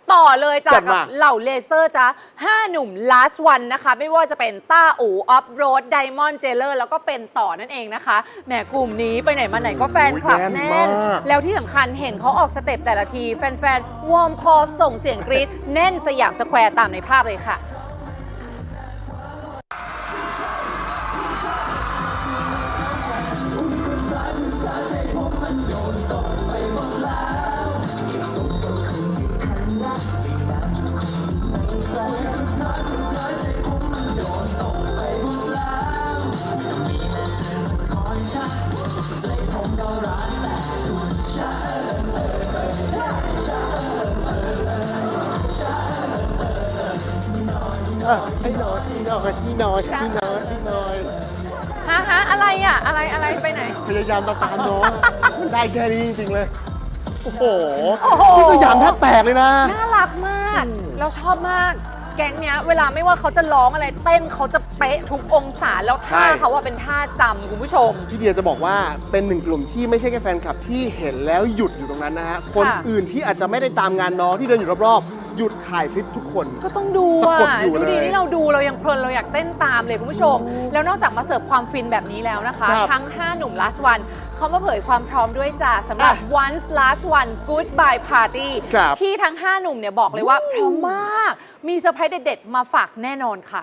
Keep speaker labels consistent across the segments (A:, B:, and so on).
A: ต่อเลยจากกับเหล่าเลเซอร์จ้า5 หนุ่ม last one นะคะไม่ว่าจะเป็นต้าอู่ออฟโรดไดมอนด์เจเลอร์แล้วก็เป็นต่อนั่นเองนะคะแหมกลุ่มนี้ไปไหนมาไหนก็แฟนคลับแน่นแล้วที่สำคัญเห็นเขาออกสเต็ปแต่ละทีแฟนๆวอร์มคอส่งเสียงกรี๊ดแน่นสยามสแควร์ตามในภาพเลยค่ะ
B: ให้น้อย
A: ฮะอะไรอ่ะอะไรไปไหน
B: พยายามตามน้องมันได้แค่นี้จริงๆเลยโอ้โห
A: นี่
B: สยามแทบแตกเลยนะ
A: น่ารักมากเราชอบมากแก๊งเนี้ยเวลาไม่ว่าเขาจะร้องอะไรเต้นเขาจะเป๊ะทุกองศาแล้วท่าเขาว่าเป็นท่าจำคุณผู้ชม
B: พี่เดียจะบอกว่าเป็นหนึ่งกลุ่มที่ไม่ใช่แค่แฟนคลับที่เห็นแล้วหยุดอยู่ตรงนั้นนะฮะคนอื่นที่อาจจะไม่ได้ตามงานน้องที่เดินอยู่รอบๆหยุดถ่ายคลิปทุกคน
A: ก็ต้องดูอ่ะดูดีที่เราดูเรายังเพลินเราอยากเต้นตามเลยคุณผู้ชมแล้วนอกจากมาเสิร์ฟความฟินแบบนี้แล้วนะคะทั้ง5 หนุ่ม last one เขามาเผยความพร้อมด้วยจ้ะสำหรับ once last one goodbye party ที่ทั้ง5 หนุ่มเนี่ยบอกเลยว่าพร้อมมากมีเซอร์ไพรส์เด็ดๆมาฝากแน่นอนค่ะ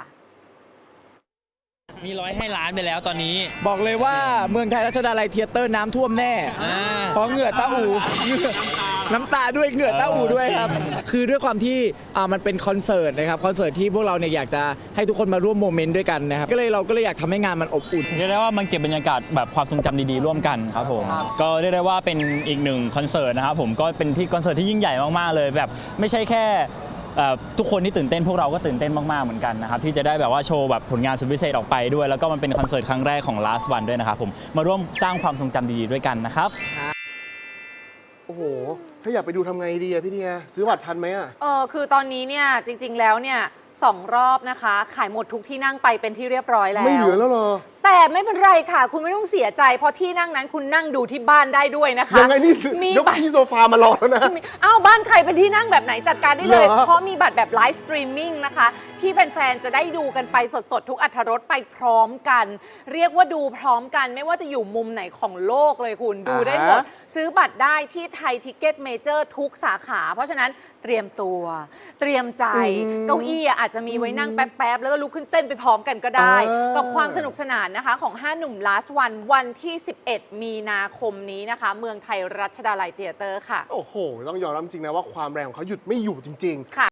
C: มีร้อยให้ล้านไปแล้วตอนนี้
D: บอกเลยว่าเมืองไทยรัชดาลัยเธียเตอร์น้ำท่วมแน่เพราะเหงื่อต้าอู่น้ำตาด้วยเหงื่อต้าอู่ด้วยครับคือด้วยความที่มันเป็นคอนเสิร์ตนะครับคอนเสิร์ตที่พวกเราเนี่ยอยากจะให้ทุกคนมาร่วมโมเมนต์ด้วยกันนะครับเราก็เลยอยากทำให้งานมันอบอุ่น
C: เรียกได้ว่ามันเก็บบรรยากาศแบบความทรงจำดีๆร่วมกันครับผมก็เรียกได้ว่าเป็นอีกหนึ่งคอนเสิร์ตนะครับผมก็เป็นที่คอนเสิร์ตที่ยิ่งใหญ่มากๆเลยแบบไม่ใช่แค่ทุกคนที่ตื่นเต้นพวกเราก็ตื่นเต้นมากๆเหมือนกันนะครับที่จะได้แบบว่าโชว์แบบผลงานสุดพิเศษออกไปด้วยแล้วก็มันเป็นคอนเสิร์ตครั้งแรกของ last one ด้วยนะครับผมมาร่วมสร้างความทรงจำดีๆด้วยกันนะครับ
B: โอ้โหถ้าอยากไปดูทำไงดีอะพี่เดียซื้อบัตรทันไหมอะ
A: คือตอนนี้เนี่ยจริงๆแล้วเนี่ย2 รอบนะคะขายหมดทุกที่นั่งไปเป็นที่เรียบร้อยแล้ว
B: ไม่เหลือแล้วเหรอ
A: แต่ไม่เป็นไรค่ะคุณไม่ต้องเสียใจเพราะที่นั่งนั้นคุณนั่งดูที่บ้านได้ด้วยนะคะ
B: ยังไงนี่ยกที่โซฟามารอแล้วนะ
A: อ้าวบ้านใครเป็นที่นั่งแบบไหนจัดการได้เลยเพราะมีบัตรแบบไลฟ์สตรีมมิ่งนะคะที่แฟนๆจะได้ดูกันไปสดๆทุกอรรถรสไปพร้อมกันเรียกว่าดูพร้อมกันไม่ว่าจะอยู่มุมไหนของโลกเลยคุณดูได้หมดซื้อบัตรได้ที่ไทยทิกเก็ตเมเจอร์ทุกสาขาเพราะฉะนั้นเตรียมตัวเตรียมใจเก้าอี้อาจจะมีไว้นั่งแป๊บๆแล้วก็ลุกขึ้นเต้นไปพร้อมกันก็ได้กับความสนุกสนานนะคะของ5 หนุ่ม last one วันที่11 มีนาคมนี้นะคะเมืองไทยรัชดาลัยเธียเตอร์ค่ะ
B: โอ้โหต้องยอมรับจริงนะว่าความแรงของเขาหยุดไม่อยู่จริงๆค่ะ